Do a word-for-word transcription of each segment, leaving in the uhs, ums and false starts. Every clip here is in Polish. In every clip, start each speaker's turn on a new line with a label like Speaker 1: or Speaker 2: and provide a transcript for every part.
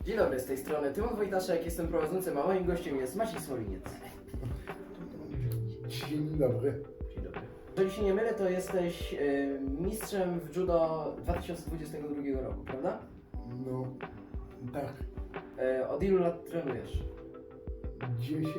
Speaker 1: Dzień dobry, z tej strony Tymon Wojtaszek, jestem prowadzącym, a moim gościem jest Maciej Smoliniec.
Speaker 2: Dzień dobry.
Speaker 1: Dzień dobry. Jeżeli się nie mylę, to jesteś y, mistrzem w judo dwa tysiące dwudziestego drugiego roku, prawda?
Speaker 2: No, tak.
Speaker 1: Y, od ilu lat trenujesz?
Speaker 2: dziesięć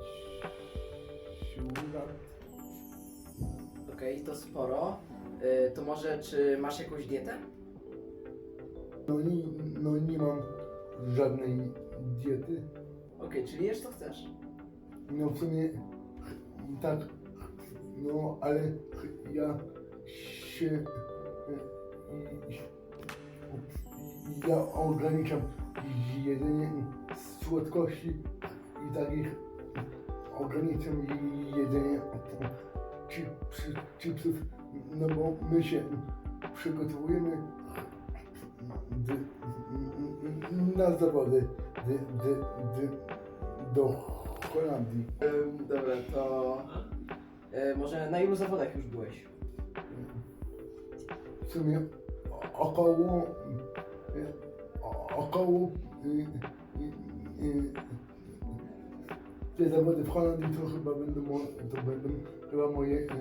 Speaker 2: lat.
Speaker 1: Okej, to sporo. Y, to może, czy masz jakąś dietę?
Speaker 2: No nie, no nie mam żadnej diety.
Speaker 1: Okej, czyli jesz co chcesz.
Speaker 2: No w sumie tak. No ale ja się ja ograniczam jedzenie słodkości i takich ograniczam jedzenie chips, chipsów, no bo my się przygotowujemy d, na zawody d, d, d, do Holandii.
Speaker 1: Ym, dobra, to y, może na ilu zawodach już byłeś?
Speaker 2: W sumie około około y, y, y, te zawody w Holandii to chyba będą mo- to będą chyba moje y,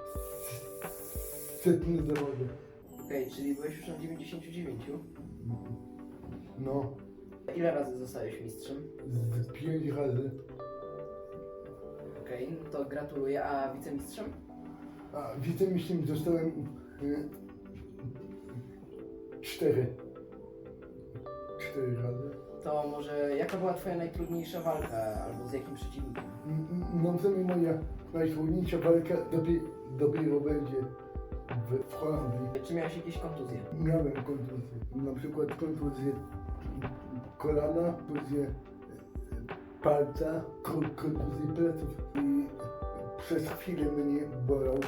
Speaker 2: setne zawody.
Speaker 1: Okej, czyli byłeś już na dziewięćdziesięciu dziewięciu.
Speaker 2: No,
Speaker 1: Ile razy zostałeś mistrzem?
Speaker 2: z pięć razy.
Speaker 1: Okej, no to gratuluję, a wicemistrzem?
Speaker 2: A wicemistrzem zostałem y, cztery. Cztery razy.
Speaker 1: To może jaka była twoja najtrudniejsza walka, albo z jakim przeciwnikiem?
Speaker 2: No w sumie moja najtrudniejsza walka dopiero, dopiero będzie w, w Holandii.
Speaker 1: Czy miałeś jakieś kontuzje?
Speaker 2: Miałem kontuzję, na przykład kontuzję kolana, kontuzję palca, ko- kontuzję pleców i przez chwilę mnie bolał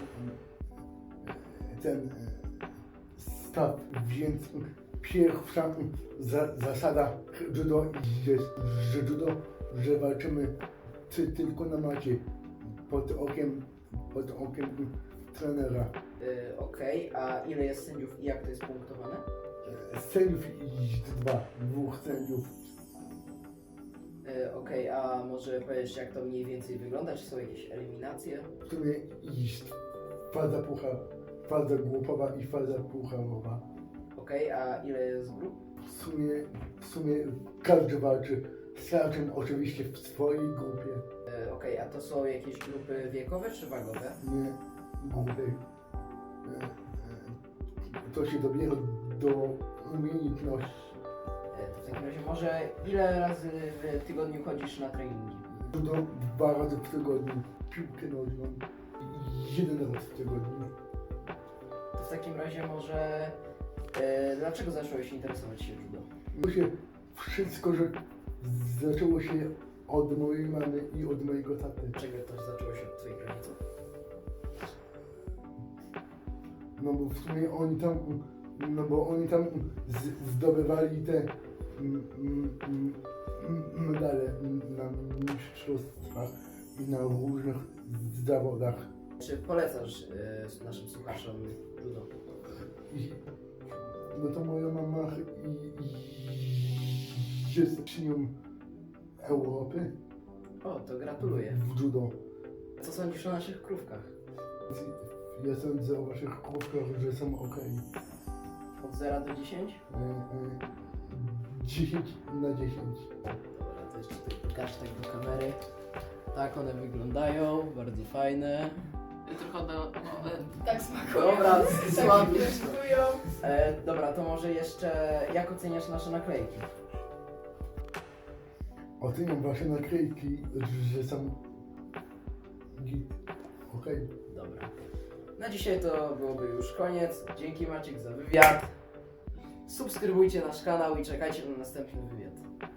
Speaker 2: ten staw, więc pierwsza za, zasada judo jest, że judo, że walczymy ty, tylko na macie, pod okiem, pod okiem trenera.
Speaker 1: Yy, Okej, a ile jest sędziów i jak to jest punktowane?
Speaker 2: Sędziów jest dwa, dwóch sędziów.
Speaker 1: Yy, Okej, a może powiesz jak to mniej więcej wygląda? Czy są jakieś eliminacje?
Speaker 2: W sumie jest faza puchar, faza grupowa i faza pucharowa.
Speaker 1: Okej, a ile jest grup?
Speaker 2: W sumie, w sumie każdy walczy z każdym, oczywiście w swojej grupie,
Speaker 1: Yy, Okej, a to są jakieś grupy wiekowe czy wagowe?
Speaker 2: nie grupy. E, e, To się dobiera do umiejętności.
Speaker 1: Yy, to w takim razie może ile razy w tygodniu chodzisz na treningi?
Speaker 2: Judo dwa razy w tygodniu, piłkę nożną jeden raz w tygodniu.
Speaker 1: To w takim razie może yy, dlaczego zacząłeś interesować się judo?
Speaker 2: To się wszystko, że zaczęło się od mojej mamy i od mojego taty.
Speaker 1: Dlaczego to zaczęło się od twoich rodziców?
Speaker 2: No bo w sumie oni tam, no bo oni tam z, zdobywali te mm, mm, mm, medale na mistrzostwach i na różnych zawodach.
Speaker 1: Czy polecasz yy, naszym słuchaczom judo?
Speaker 2: I, no to moja mama i, i jest mistrzynią Europy
Speaker 1: O, to gratuluję.
Speaker 2: w judo.
Speaker 1: Co sądzisz o naszych krówkach?
Speaker 2: Ja sądzę o waszych krówkach, że są ok.
Speaker 1: Od zera do dziesięciu?
Speaker 2: dziesięć na dziesięć.
Speaker 1: Dobra, to jeszcze tutaj pokaż tak do kamery. Tak one wyglądają, bardzo fajne.
Speaker 3: Trochę do, no, e, tak smakują.
Speaker 1: Dobra,
Speaker 3: tak
Speaker 1: słabiej.
Speaker 3: smakują.
Speaker 1: E, dobra, to może jeszcze jak oceniasz nasze naklejki?
Speaker 2: Oceniam wasze naklejki, że są git. Okej.
Speaker 1: Dobra. Na dzisiaj to byłoby już koniec. Dzięki Maciek za wywiad. Subskrybujcie nasz kanał i czekajcie na następny wywiad.